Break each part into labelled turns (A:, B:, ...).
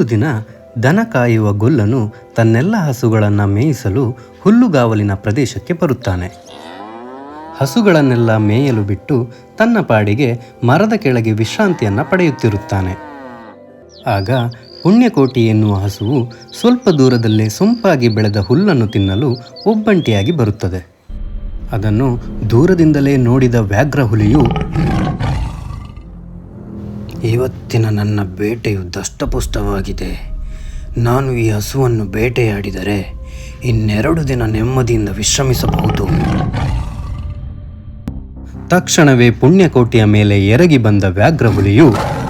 A: ಒಂದು ದಿನ ದನ ಕಾಯುವ ಗೊಲ್ಲನು ತನ್ನೆಲ್ಲ ಹಸುಗಳನ್ನು ಮೇಯಿಸಲು ಹುಲ್ಲುಗಾವಲಿನ ಪ್ರದೇಶಕ್ಕೆ ಬರುತ್ತಾನೆ. ಹಸುಗಳನ್ನೆಲ್ಲ ಮೇಯಲು ಬಿಟ್ಟು ತನ್ನ ಪಾಡಿಗೆ ಮರದ ಕೆಳಗೆ ವಿಶ್ರಾಂತಿಯನ್ನು ಪಡೆಯುತ್ತಿರುತ್ತಾನೆ. ಆಗ ಪುಣ್ಯಕೋಟಿ ಎನ್ನುವ ಹಸುವು ಸ್ವಲ್ಪ ದೂರದಲ್ಲೇ ಸೊಂಪಾಗಿ ಬೆಳೆದ ಹುಲ್ಲನ್ನು ತಿನ್ನಲು ಒಬ್ಬಂಟಿಯಾಗಿ ಬರುತ್ತದೆ. ಅದನ್ನು ದೂರದಿಂದಲೇ ನೋಡಿದ ವ್ಯಾಘ್ರ ಹುಲಿಯು,
B: ಇವತ್ತಿನ ನನ್ನ ಬೇಟೆಯು ದಷ್ಟಪುಷ್ಟವಾಗಿದೆ. ನಾನು ಈ ಹಸುವನ್ನು ಬೇಟೆಯಾಡಿದರೆ 2 ದಿನ ನೆಮ್ಮದಿಯಿಂದ ವಿಶ್ರಮಿಸಬಹುದು.
A: ತಕ್ಷಣವೇ ಪುಣ್ಯಕೋಟಿಯ ಮೇಲೆ ಎರಗಿ ಬಂದ ವ್ಯಾಘ್ರ ಹುಲಿಯು,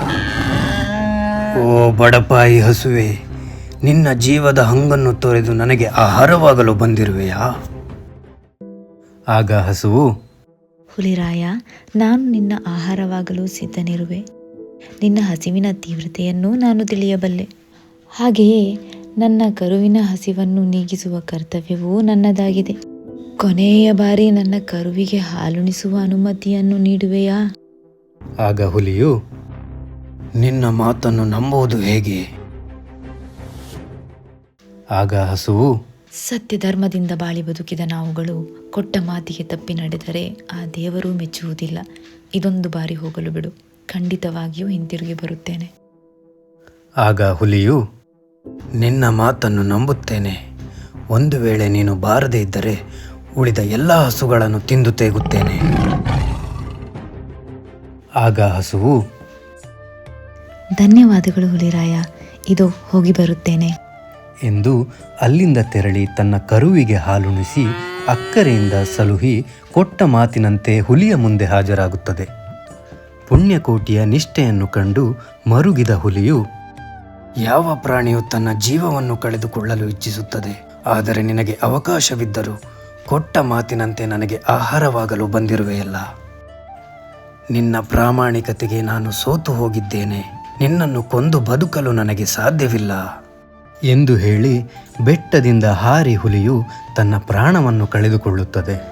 B: ಓ ಬಡಪಾಯಿ ಹಸುವೆ, ನಿನ್ನ ಜೀವದ ಹಂಗನ್ನು ತೊರೆದು ನನಗೆ ಆಹಾರವಾಗಲು ಬಂದಿರುವೆಯಾ?
A: ಆಗ ಹಸುವು,
C: ಹುಲಿರಾಯ, ನಾನು ನಿನ್ನ ಆಹಾರವಾಗಲು ಸಿದ್ಧನಿರುವೆ. ನಿನ್ನ ಹಸಿವಿನ ತೀವ್ರತೆಯನ್ನು ನಾನು ತಿಳಿಯಬಲ್ಲೆ. ಹಾಗೆಯೇ ನನ್ನ ಕರುವಿನ ಹಸಿವನ್ನು ನೀಗಿಸುವ ಕರ್ತವ್ಯವೂ ನನ್ನದಾಗಿದೆ. ಕೊನೆಯ ಬಾರಿ ನನ್ನ ಕರುವಿಗೆ ಹಾಲುಣಿಸುವ ಅನುಮತಿಯನ್ನು ನೀಡುವೆಯಾ?
A: ಆಗ ಹುಲಿಯು,
B: ನಿನ್ನ ಮಾತನ್ನು ನಂಬುವುದು ಹೇಗೆ?
A: ಆಗ ಹಸುವು,
C: ಸತ್ಯಧರ್ಮದಿಂದ ಬಾಳಿ ಬದುಕಿದ ನಾವುಗಳು ಕೊಟ್ಟ ಮಾತಿಗೆ ತಪ್ಪಿ ನಡೆದರೆ ಆ ದೇವರು ಮೆಚ್ಚುವುದಿಲ್ಲ. ಇದೊಂದು ಬಾರಿ ಹೋಗಲು ಬಿಡು, ಖಂಡಿತವಾಗಿಯೂ ಹಿಂತಿರುಗಿ ಬರುತ್ತೇನೆ.
A: ಆಗ ಹುಲಿಯು,
B: ನಿನ್ನ ಮಾತನ್ನು ನಂಬುತ್ತೇನೆ. ಒಂದು ವೇಳೆ ನೀನು ಬಾರದೇ ಇದ್ದರೆ ಉಳಿದ ಎಲ್ಲ ಹಸುಗಳನ್ನು ತಿಂದು ತೇಗುತ್ತೇನೆ.
A: ಆಗ ಹಸುವು,
C: ಧನ್ಯವಾದಗಳು ಹುಲಿರಾಯ, ಇದು ಹೋಗಿ ಬರುತ್ತೇನೆ
A: ಎಂದು ಅಲ್ಲಿಂದ ತೆರಳಿ ತನ್ನ ಕರುವಿಗೆ ಹಾಲುಣಿಸಿ ಅಕ್ಕರೆಯಿಂದ ಸಲುಹಿ ಕೊಟ್ಟ ಮಾತಿನಂತೆ ಹುಲಿಯ ಮುಂದೆ ಹಾಜರಾಗುತ್ತದೆ. ಪುಣ್ಯಕೋಟಿಯ ನಿಷ್ಠೆಯನ್ನು ಕಂಡು ಮರುಗಿದ ಹುಲಿಯು,
B: ಯಾವ ಪ್ರಾಣಿಯು ತನ್ನ ಜೀವವನ್ನು ಕಳೆದುಕೊಳ್ಳಲು ಇಚ್ಛಿಸುತ್ತದೆ? ಆದರೆ ನಿನಗೆ ಅವಕಾಶವಿದ್ದರೂ ಕೊಟ್ಟ ಮಾತಿನಂತೆ ನನಗೆ ಆಹಾರವಾಗಲು ಬಂದಿರುವೆಯಲ್ಲ. ನಿನ್ನ ಪ್ರಾಮಾಣಿಕತೆಗೆ ನಾನು ಸೋತು ಹೋಗಿದ್ದೇನೆ. ನಿನ್ನನ್ನು ಕೊಂದು ಬದುಕಲು ನನಗೆ ಸಾಧ್ಯವಿಲ್ಲ
A: ಎಂದು ಹೇಳಿ ಬೆಟ್ಟದಿಂದ ಹಾರಿ ಹುಲಿಯು ತನ್ನ ಪ್ರಾಣವನ್ನು ಕಳೆದುಕೊಳ್ಳುತ್ತದೆ.